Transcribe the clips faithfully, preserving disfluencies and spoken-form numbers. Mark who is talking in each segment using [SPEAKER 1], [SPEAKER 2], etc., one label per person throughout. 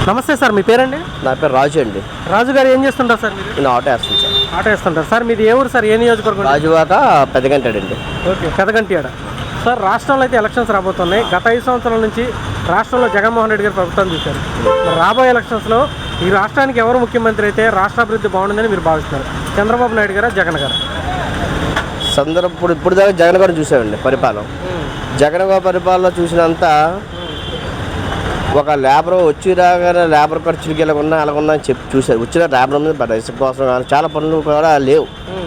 [SPEAKER 1] నమస్తే సార్, మీ పేరండి?
[SPEAKER 2] నా పేరు రాజు అండి.
[SPEAKER 1] రాజు గారు ఏం చేస్తుంటారు సార్ మీరు?
[SPEAKER 2] నేను ఆటో వేస్తాను సార్.
[SPEAKER 1] ఆటో వేస్తుంటారు సార్. మీది ఏ ఊరు సార్? ఏ నియోజకవర్గం?
[SPEAKER 2] రాజువాక పెద్దగంటాడండి.
[SPEAKER 1] ఓకే, పెదగంటియాడ. సార్, రాష్ట్రంలో అయితే ఎలక్షన్స్ రాబోతున్నాయి. గత ఐదు సంవత్సరాల నుంచి రాష్ట్రంలో జగన్మోహన్ రెడ్డి గారు ప్రభుత్వం చూశారు. రాబోయే ఎలక్షన్స్లో ఈ రాష్ట్రానికి ఎవరు ముఖ్యమంత్రి అయితే రాష్ట్ర అభివృద్ధి బాగుంటుందని మీరు భావిస్తున్నారు? చంద్రబాబు నాయుడు గారా, జగన్ గారు?
[SPEAKER 2] సందర్భం ఇప్పుడు ఇప్పుడు దాకా జగన్ గారు చూసామండి పరిపాలన. జగన్ గారి పరిపాలన చూసినంత ఒక లేబర్ వచ్చి రాగానే లేబర్ ఖర్చులకి ఇలా ఉన్నా అలా ఉన్నా అని చెప్పి చూశారు. వచ్చిన లేబర్ మీద ఇసుక కోసం కానీ చాలా పనులు కూడా లేవు.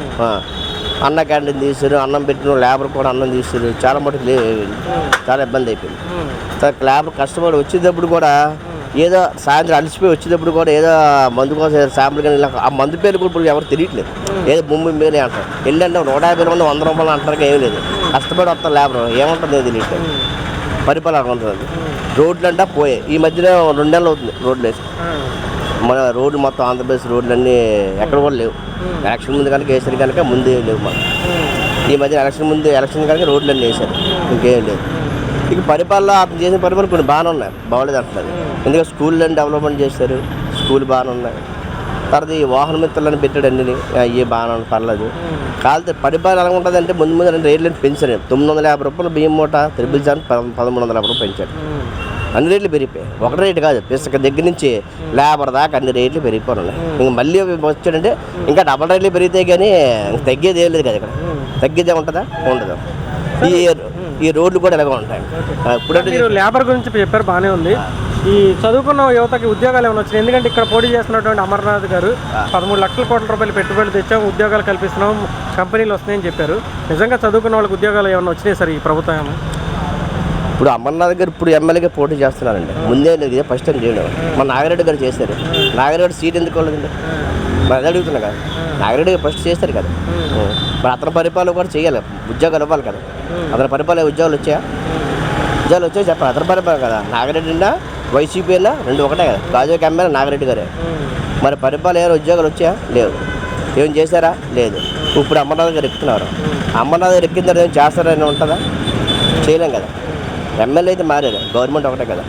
[SPEAKER 2] అన్న క్యాంటీన్ తీసారు, అన్నం పెట్టిన లేబర్ కూడా అన్నం తీసారు, చాలా మటుకు లేవు, చాలా ఇబ్బంది అయిపోయింది. లేబర్ కష్టపడి వచ్చేటప్పుడు కూడా ఏదో సాయంత్రం అలసిపోయి వచ్చేటప్పుడు కూడా ఏదో మందు కోసం శాంపుల్ కానీ ఇలా ఆ మందు పేరు కూడా ఇప్పుడు ఎవరు తెలియట్లేదు. ఏదో భూమి మీద అంటారు, వెళ్ళంటే నూట యాభై మంది వంద రూపాయలు అంటారు, ఏమీ లేదు. కష్టపడి వస్తారు లేబర్, ఏముంటుంది తెలియట్లేదు. పరిపాలన ఉంటుంది. రోడ్లు అంటే పోయాయి. ఈ మధ్యన రెండు నెలలు అవుతుంది రోడ్లు వేసి. మన రోడ్లు మొత్తం ఆంధ్రప్రదేశ్ రోడ్లు అన్నీ ఎక్కడ కూడా లేవు. ఎలక్షన్ ముందు కనుక వేసారు కనుక ముందే లేవు మాకు. ఈ మధ్య ఎలక్షన్ ముందు ఎలక్షన్ కనుక రోడ్లు అన్నీ వేసారు, ఇంకేం లేదు. ఇక పరిపాలన అతను చేసిన పరిపాలన కొన్ని బాగానే ఉన్నాయి, బాగోలేదు అంటున్నారు. ఎందుకంటే స్కూళ్ళు అని డెవలప్మెంట్ చేశారు, స్కూల్ బాగానే ఉన్నాయి. తర్వాత ఈ వాహన మిత్రులను పెట్టాడు అన్ని, అవి బాగానే పర్లేదు. కాకపోతే పరిపాలన ఎలా ఉంటుంది అంటే ముందు ముందు రెండు రేట్లను పెంచారు. తొమ్మిది వందల యాభై రూపాయలు బియ్యం మూట త్రిబుల్ జాన్ పదమూడు వందల యాభై రూపాయలు పెంచాడు. అన్ని రేట్లు పెరిగిపోయాయి. ఒక రేటు కాదు, పిసక దగ్గర నుంచి లేబర్ దాకా అన్ని రేట్లు పెరిగిపోయి. ఇంక మళ్ళీ వచ్చాడంటే ఇంకా డబల్ రేట్లు పెరిగితే కానీ తగ్గేది ఏం లేదు కదా. ఇక్కడ తగ్గేదే ఉంటుందా? ఉండదు. ఈ ఈ రోడ్లు కూడా ఎలాగో ఉంటాయి.
[SPEAKER 1] ఇప్పుడు మీరు లేబర్ గురించి చెప్పారు, బాగానే ఉంది. ఈ చదువుకున్న యువతకి ఉద్యోగాలు ఏమైనా వచ్చినాయి? ఎందుకంటే ఇక్కడ పోటీ చేస్తున్నటువంటి అమర్నాథ్ గారు పదమూడు లక్షల కోట్ల రూపాయలు పెట్టుబడులు తెచ్చాం, ఉద్యోగాలు కల్పిస్తున్నాం, కంపెనీలు వస్తున్నాయని చెప్పారు. నిజంగా చదువుకున్న వాళ్ళకి ఉద్యోగాలు ఏమైనా వచ్చినాయి సార్ ఈ ప్రభుత్వం?
[SPEAKER 2] ఇప్పుడు అమర్నాథ్ గారు ఇప్పుడు ఎమ్మెల్యేగా పోటీ చేస్తున్నారండి. ముందే లేదు, ఫస్ట్ టైం చేయడం. మన నాగిరెడ్డి గారు చేశారు. నాగిరెడ్డి సీట్ ఎందుకు వాళ్ళదండి? మరి అదే అడుగుతున్నా కదా. నాగిరెడ్డి గారు ఫస్ట్ చేస్తారు కదా, మరి అతని పరిపాలన కూడా చేయాలి, ఉద్యోగాలు ఇవ్వాలి కదా. అతని పరిపాలన ఉద్యోగాలు వచ్చాయా? ఉద్యోగాలు వచ్చాయి చెప్పాలి. అతని పరిపాలన కదా. నాగిరెడ్డి అయినా వైసీపీ అయినా రెండు ఒకటే కదా. గాజువాక ఎమ్మెల్యే నాగిరెడ్డి గారే. మరి పరిపాలన ఏమైనా ఉద్యోగాలు వచ్చాయా? లేవు. ఏం చేశారా? లేదు. ఇప్పుడు అమర్నాథ్ గారు ఎక్కుతున్నారు. అమర్నాథ్ గారు ఎక్కిన తర్వాత ఏం చేస్తారని ఉంటుందా? చేయలేం కదా. ఎమ్మెల్యే అయితే మారారు, గవర్నమెంట్ ఒకటే కదా.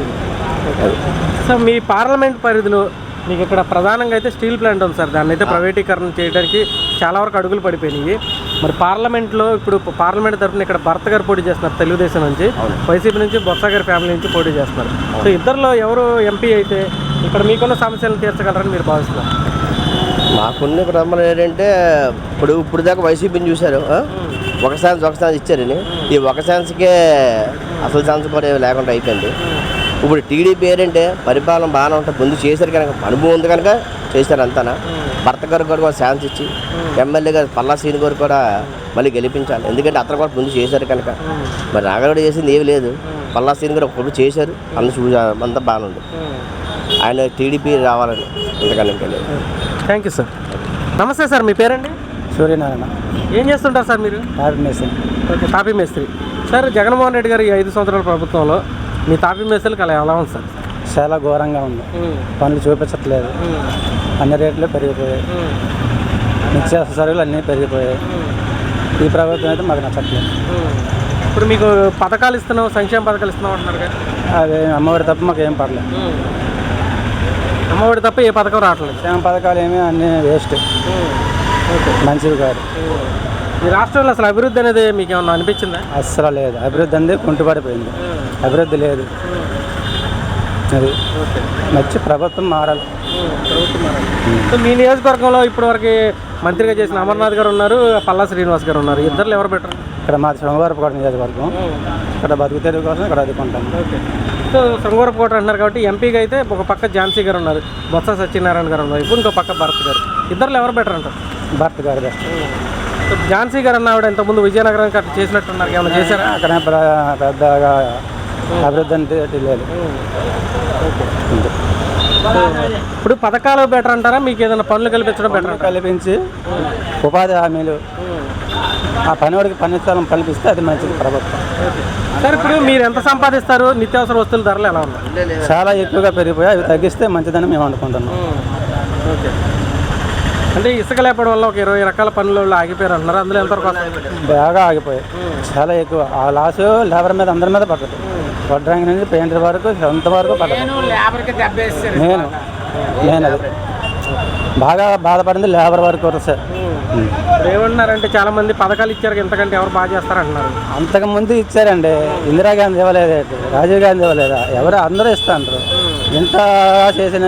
[SPEAKER 1] సో మీ పార్లమెంట్ పరిధిలో మీకు ఇక్కడ ప్రధానంగా అయితే స్టీల్ ప్లాంట్ ఉంది సార్. దాన్ని అయితే ప్రైవేటీకరణ చేయడానికి చాలా వరకు అడుగులు పడిపోయినాయి. మరి పార్లమెంట్లో ఇప్పుడు పార్లమెంట్ తరఫున ఇక్కడ భర్త గారు పోటీ చేస్తున్నారు తెలుగుదేశం నుంచి, వైసీపీ నుంచి బొత్స గారి ఫ్యామిలీ నుంచి పోటీ చేస్తున్నారు. సో ఇద్దరిలో ఎవరు ఎంపీ అయితే ఇక్కడ మీకున్న సమస్యలను తీర్చగలరని మీరు భావిస్తున్నారు?
[SPEAKER 2] మాకున్న ప్రమాణం ఏంటంటే ఇప్పుడు ఇప్పుడు దాకా వైసీపీని చూశారు, ఒక ఛాన్స్ ఒక ఛాన్స్ ఇచ్చారని. ఈ ఒక ఛాన్స్కే అసలు ఛాన్స్ కూడా లేకుండా అయిపోయింది. ఇప్పుడు టీడీపీ ఏంటంటే పరిపాలన బాగానే ఉంటుంది, ముందు చేశారు కనుక అనుభవం ఉంది కనుక చేశారు అంతానా. భర్త గారు కూడా ఛాన్స్ ఇచ్చి ఎమ్మెల్యే గారు పల్లా సీని గారు కూడా మళ్ళీ గెలిపించాలి. ఎందుకంటే అతను కూడా ముందు చేశారు కనుక. మరి నాగరాడు చేసింది ఏమి లేదు, పల్లా సీని గారు ఒకప్పుడు చేశారు, అంత చూ అంతా బాగానే ఉంది. ఆయన టీడీపీ రావాలని ఇంతకన్నా ఇంకా లేదు.
[SPEAKER 1] Thank you sir. నమస్తే సార్, మీ పేరండి?
[SPEAKER 3] సూర్యనారాయణ.
[SPEAKER 1] ఏం చేస్తుంటారు సార్ మీరు?
[SPEAKER 3] తాపీ మేస్త్రి.
[SPEAKER 1] ఓకే, తాపీ మేస్త్రి. సార్, జగన్మోహన్ రెడ్డి గారు ఈ ఐదు సంవత్సరాల ప్రభుత్వంలో మీ తాపీ మేస్త్రికి అలా ఎలా ఉంది సార్?
[SPEAKER 3] చాలా ఘోరంగా ఉంది. పనులు చూపించట్లేదు, అన్ని రేట్లు పెరిగిపోయాయి, నిత్యావసర సరుకులు అన్నీ పెరిగిపోయాయి. ఈ ప్రభుత్వం అయితే మాకు నచ్చట్లేదు.
[SPEAKER 1] ఇప్పుడు మీకు పథకాలు ఇస్తున్నాం, సంక్షేమ పథకాలు ఇస్తున్నాం అంటున్నారు కదా,
[SPEAKER 3] అదే అమ్మఒడి తప్ప మాకు ఏం పడలేదు.
[SPEAKER 1] అమ్మఒడి తప్ప ఏ పథకం రావట్లేదు.
[SPEAKER 3] సంక్షేమ పథకాలు ఏమీ అన్నీ వేస్ట్, మంచివి కాదు.
[SPEAKER 1] ఈ రాష్ట్రంలో అసలు అభివృద్ధి అనేది మీకు ఏమన్నా అనిపించిందా?
[SPEAKER 3] అస్సలు లేదు. అభివృద్ధి అనేది కుంటుపడిపోయింది, అభివృద్ధి లేదు. అది మంచి ప్రభుత్వం మారాలి.
[SPEAKER 1] ప్రభుత్వం మారాలి. సో మీ నియోజకవర్గంలో ఇప్పటివరకు మంత్రిగా చేసిన అమర్నాథ్ గారు ఉన్నారు, పల్లా శ్రీనివాస్ గారు ఉన్నారు. ఇద్దరు ఎవరు బెటర్?
[SPEAKER 3] ఇక్కడ మాది శృంగవరపుకోట నియోజకవర్గం, ఇక్కడ బతుకు తెరువు కోసం ఇక్కడ అదుకుంటాం.
[SPEAKER 1] ఓకే. సో శృంగవరపుకోట అంటున్నారు కాబట్టి ఎంపీగా అయితే ఒక పక్క ఝాన్సీ గారు ఉన్నారు, బొత్స సత్యనారాయణ గారు ఉన్నారు, ఇప్పుడు ఇంకో పక్క భరత్ గారు. ఇద్దరు ఎవరు బెటర్ అంటారు?
[SPEAKER 3] భర్త గారు బెస్ట్.
[SPEAKER 1] సో ఝాన్సీ గారు అన్న ఆవిడ ఇంతకుముందు విజయనగరం అట్లా చేసినట్టున్నారు, ఏమైనా చేశారా?
[SPEAKER 3] అక్కడ పెద్దగా అభివృద్ధి అంటే లేదు.
[SPEAKER 1] ఇప్పుడు పథకాలు బెటర్ అంటారా, మీకు ఏదైనా పనులు కల్పించడం బెటర్?
[SPEAKER 3] కల్పించి ఉపాధి హామీలు, ఆ పనివాడికి పని స్థలం కల్పిస్తే అది మంచిది ప్రభుత్వం.
[SPEAKER 1] సార్, ఇప్పుడు మీరు ఎంత సంపాదిస్తారు? నిత్యావసర వస్తువుల ధరలు ఎలా ఉన్నాయి?
[SPEAKER 3] చాలా ఎక్కువగా పెరిగిపోయాయి, అవి తగ్గిస్తే మంచిదని మేము అనుకుంటున్నాం.
[SPEAKER 1] ఓకే. అంటే ఇసుక లేపడం వల్ల ఒక ఇరవై రకాల పనులు ఆగిపోయారు అంటున్నారు, అందులో ఎంతవరకు
[SPEAKER 3] బాగా ఆగిపోయాయి, చాలా ఎక్కువ. ఆ లాసు లేబర్ మీద అందరి మీద పడుతుంది. వడ్రంగి నుంచి పెయింటర్ వరకు సొంత వరకు పడ్డాను. నేను నేను అది బాగా బాధపడింది లేబర్ వరకు వరకు సార్.
[SPEAKER 1] ఇప్పుడు ఏమంటున్నారంటే చాలా మంది పథకాలు ఇచ్చారు, ఇంతకంటే ఎవరు బాగా చేస్తారంటున్నారు.
[SPEAKER 3] అంతకు ముందు ఇచ్చారండి, ఇందిరాగాంధీ ఇవ్వలేదు, రాజీవ్ గాంధీ ఇవ్వలేదా, ఎవరు అందరూ ఇస్తాంటారు. ఎంత చేసిన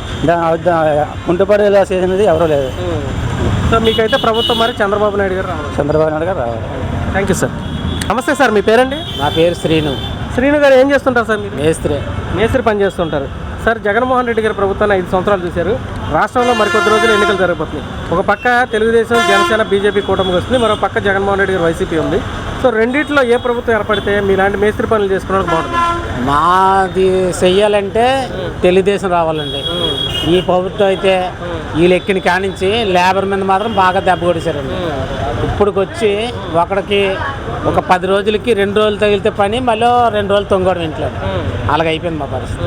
[SPEAKER 3] కుంటుపడిలా చేసినది ఎవరూ లేదు.
[SPEAKER 1] సో మీకైతే ప్రభుత్వం మరి చంద్రబాబు నాయుడు గారు రావాలి.
[SPEAKER 3] చంద్రబాబు నాయుడు గారు రావాలి.
[SPEAKER 1] Thank you sir. నమస్తే సార్, మీ పేరండి?
[SPEAKER 3] నా పేరు శ్రీను.
[SPEAKER 1] శ్రీను గారు ఏం చేస్తుంటారు సార్ మీరు?
[SPEAKER 3] మేస్త్రి.
[SPEAKER 1] మేస్త్రి పని చేస్తుంటారు సార్. జగన్మోహన్ రెడ్డి గారి ప్రభుత్వాన్ని ఐదు సంవత్సరాలు చూశారు. రాష్ట్రంలో మరికొద్ది రోజులు ఎన్నికలు జరగబోతున్నాయి. ఒక పక్క తెలుగుదేశం, జనసేన, బీజేపీ కూటమికి వస్తుంది, మరో పక్క జగన్మోహన్ రెడ్డి గారు వైసీపీ ఉంది. సో రెండిట్లో ఏ ప్రభుత్వం ఏర్పడితే మీలాంటి మేస్త్రి పనులు చేసుకోవడానికి బాగుంటుంది?
[SPEAKER 4] మాది చెయ్యాలంటే తెలుగుదేశం రావాలండి. ఈ ప్రభుత్వం అయితే వీళ్ళు ఎక్కిన కానించి లేబర్ మీద మాత్రం బాగా దెబ్బ కొట్టేశారండి. ఇప్పుడుకొచ్చి ఒకడికి ఒక పది రోజులకి రెండు రోజులు తగిలితే పని, మళ్ళీ రెండు రోజులు తొంగడం ఇంట్లో. అలాగ అయిపోయింది మా పరిస్థితి.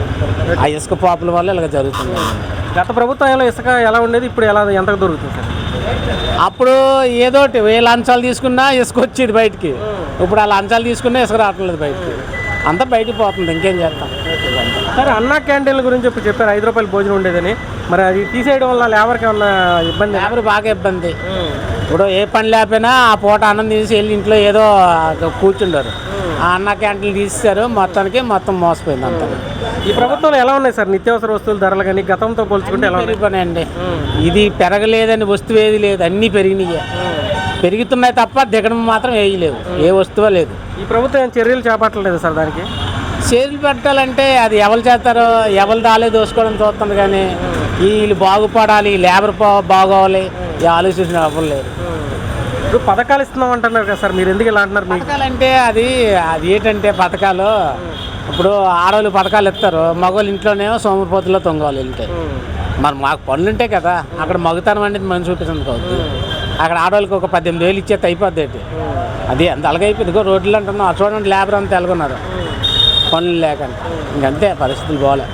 [SPEAKER 4] ఆ ఇసుక పాపుల వల్ల ఇలాగ జరుగుతుంది.
[SPEAKER 1] గత ప్రభుత్వంలో ఇసుక ఎలా ఉండేది, ఇప్పుడు ఎలా ఎంతకు దొరుకుతుంది సార్?
[SPEAKER 4] అప్పుడు ఏదోటి ఏ లంచాలు తీసుకున్నా ఇసుక వచ్చేది బయటికి. ఇప్పుడు ఆ లంచాలు తీసుకున్నా ఇసుక రావట్లేదు బయటికి. అంతా బయటికి పోతుంది, ఇంకేం చేస్తాం.
[SPEAKER 1] సరే, అన్నా క్యాంటీన్ల గురించి ఇప్పుడు చెప్పారు ఐదు రూపాయలు భోజనం ఉండేదని. మరి అది తీసేయడం వల్ల లేబర్కి ఏమన్నా ఇబ్బంది?
[SPEAKER 4] లేబర్ బాగా ఇబ్బంది. ఇప్పుడు ఏ పని లేకపోయినా ఆ పూట అన్నం తీసి వెళ్ళి ఇంట్లో ఏదో కూర్చుంటారు. ఆ అన్న క్యాంటీన్లు తీసేశారు, మొత్తానికి మొత్తం మోసపోయింది అంతా.
[SPEAKER 1] ఈ ప్రభుత్వంలో ఎలా ఉన్నాయి సార్ నిత్యావసర వస్తువుల ధరలు కానీ గతంతో పోల్చుకుంటే ఎలా
[SPEAKER 4] పెరిగిపోయినాయండి? ఇది పెరగలేదని వస్తువు ఏది లేదు, అన్నీ పెరిగినాయి. పెరుగుతున్నాయి తప్ప దిగడం మాత్రం ఏది లేదు, ఏ వస్తువు లేదు.
[SPEAKER 1] ఈ ప్రభుత్వం ఏం చర్యలు చేపట్టలేదు సార్ దానికి?
[SPEAKER 4] చర్యలు పెట్టాలంటే అది ఎవరు చేస్తారో, ఎవరు దాలే దోసుకోవడం చూస్తుంది. కానీ వీళ్ళు బాగుపడాలి, లేబర్ బాగోవాలి, ఈ ఆలోచించిన ఎవరు లేదు.
[SPEAKER 1] ఇప్పుడు పథకాలు ఇస్తున్నాం అంటున్నారు కదా సార్, మీరు ఎందుకు ఇలా అంటున్నారు?
[SPEAKER 4] పథకాలంటే అది అది ఏంటంటే పథకాలు ఇప్పుడు ఆడవాళ్ళు పథకాలు ఇస్తారు, మగవాళ్ళు ఇంట్లోనేమో సోమరిపోతుల్లో తొంగవాలి వెళ్తే. మరి మాకు పనులు ఉంటాయి కదా, అక్కడ మగతనం అనేది మనం చూపించింది కావద్దు. అక్కడ ఆడవాళ్ళకి ఒక పద్దెనిమిది వేలు ఇచ్చేది అయిపోద్ది ఏంటి, అది అంత అలాగైపోయింది. ఇగో రోడ్లు అంటున్నాం, చూడండి లేబర్ అంతా ఎలాగున్నారు పనులు లేకుండా. ఇంకంతే, పరిస్థితులు బాగాలే.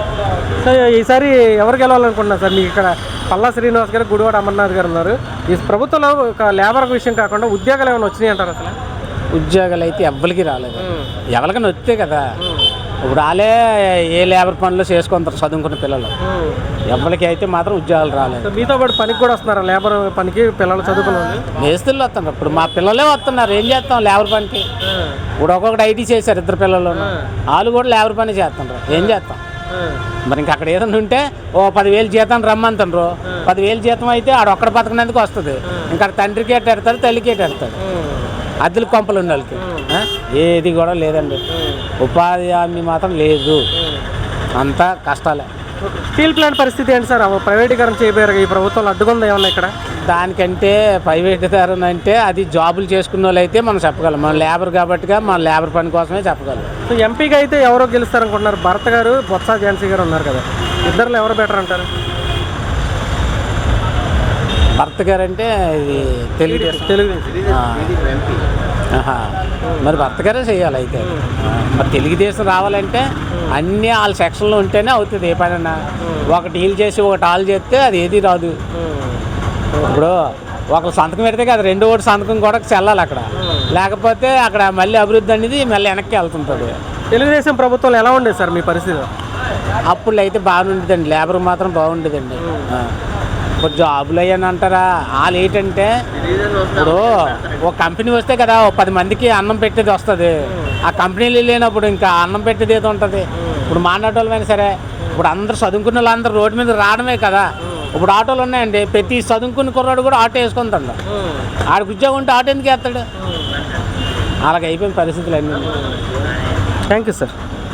[SPEAKER 1] సో ఈసారి ఎవరు గెలవాలనుకుంటున్నారు సార్? మీకు ఇక్కడ పల్లా శ్రీనివాస్ గారు, గుడివాడ అమర్నాథ్ గారు ఉన్నారు. ఈ ప్రభుత్వంలో ఒక లేబర్ విషయం కాకుండా ఉద్యోగాలు ఏమైనా వచ్చినాయి అంటారు అసలు?
[SPEAKER 4] ఉద్యోగాలు అయితే ఎవ్వరికి రాలేదు. ఎవరికైనా వస్తే కదా, ఇప్పుడు వాళ్ళే ఏ లేబర్ పనులు చేసుకుంటారు చదువుకున్న పిల్లలు. ఎవరికి అయితే మాత్రం ఉద్యోగాలు రాలేదు.
[SPEAKER 1] మీతో పాటు పనికి కూడా వస్తున్నారు లేబర్ పనికి పిల్లలు చదువుకున్న
[SPEAKER 4] మేస్తులు వస్తున్నారు. ఇప్పుడు మా పిల్లలే వస్తున్నారు, ఏం చేస్తాం లేబర్ పనికి. ఇప్పుడు ఒక్కొక్కటి ఐటీ చేశారు, ఇద్దరు పిల్లలు వాళ్ళు కూడా లేబర్ పని చేస్తున్నారు, ఏం చేస్తాం. మరి ఇంక అక్కడ ఏదైనా ఉంటే ఓ పదివేలు జీతం రమ్మంటారు. పదివేలు జీతం అయితే ఆడ ఒక్కడ బతకనందుకు వస్తుంది. ఇంకా తండ్రికి ఎట్ట ఎడతాడు, తల్లికి ఎట్ట ఎడతాడు. అద్దెలు కొంపలు ఉన్న వాళ్ళకి ఏది కూడా లేదండి. ఉపాధి హామీ మాత్రం లేదు, అంతా కష్టాలే.
[SPEAKER 1] స్టీల్ ప్లాంట్ పరిస్థితి ఏంటి సార్? ప్రైవేటీకరణ చేయబోయారు, ఈ ప్రభుత్వంలో అడ్డుకుందా ఏమన్నా ఇక్కడ?
[SPEAKER 4] దానికంటే ప్రైవేటీకరణ అంటే అది జాబులు చేసుకున్న వాళ్ళు అయితే మనం చెప్పగలం. మన లేబర్ కాబట్టిగా మన లేబర్ పని కోసమే చెప్పగలం.
[SPEAKER 1] సో ఎంపీగా అయితే ఎవరో గెలుస్తారనుకుంటున్నారు? భరత్ గారు, బొత్స ఝాన్సీ గారు ఉన్నారు కదా, ఇద్దరులో ఎవరు బెటర్ అంటారు?
[SPEAKER 4] భర్త గారు అంటే ఇది తెలుగుదేశం.
[SPEAKER 1] తెలుగుదేశం.
[SPEAKER 4] మరి భర్త గారే చేయాలి అయితే. మరి తెలుగుదేశం రావాలంటే అన్నీ వాళ్ళ సెక్షన్లో ఉంటేనే అవుతుంది ఏ పనైనా. ఒకటి వీళ్ళు చేసి ఒకటి వాళ్ళు చేస్తే అది ఏది రాదు. ఇప్పుడు ఒక సంతకం పెడితే కదా రెండో ఒకటి సంతకం కూడా చెల్లాలి అక్కడ, లేకపోతే అక్కడ మళ్ళీ అభివృద్ధి అనేది మళ్ళీ వెనక్కి వెళ్తుంటుంది.
[SPEAKER 1] తెలుగుదేశం ప్రభుత్వంలో ఎలా ఉండేది సార్ మీ పరిస్థితి?
[SPEAKER 4] అప్పుడు అయితే బాగుండేదండి, లేబర్ మాత్రం బాగుండేదండి. ఇప్పుడు జాబులు అయ్యాను అంటారా, వాళ్ళు ఏంటంటే ఇప్పుడు ఒక కంపెనీ వస్తే కదా ఒక పది మందికి అన్నం పెట్టేది వస్తుంది. ఆ కంపెనీలు లేనప్పుడు ఇంకా అన్నం పెట్టేది ఏదో ఉంటుంది. ఇప్పుడు మాట్లాడేవాళ్ళమైనా సరే, ఇప్పుడు అందరూ చదువుకున్న వాళ్ళందరూ రోడ్డు మీద రావడమే కదా. ఇప్పుడు ఆటోలు ఉన్నాయండి, ప్రతి చదువుకున్న కుర్రాడు కూడా ఆటో వేసుకుంటాడు. ఆడికి ఉద్యోగం ఉంటే ఆటో ఎందుకు వేస్తాడు? అలాగ అయిపోయిన పరిస్థితులు అన్నీ.
[SPEAKER 1] Thank you sir.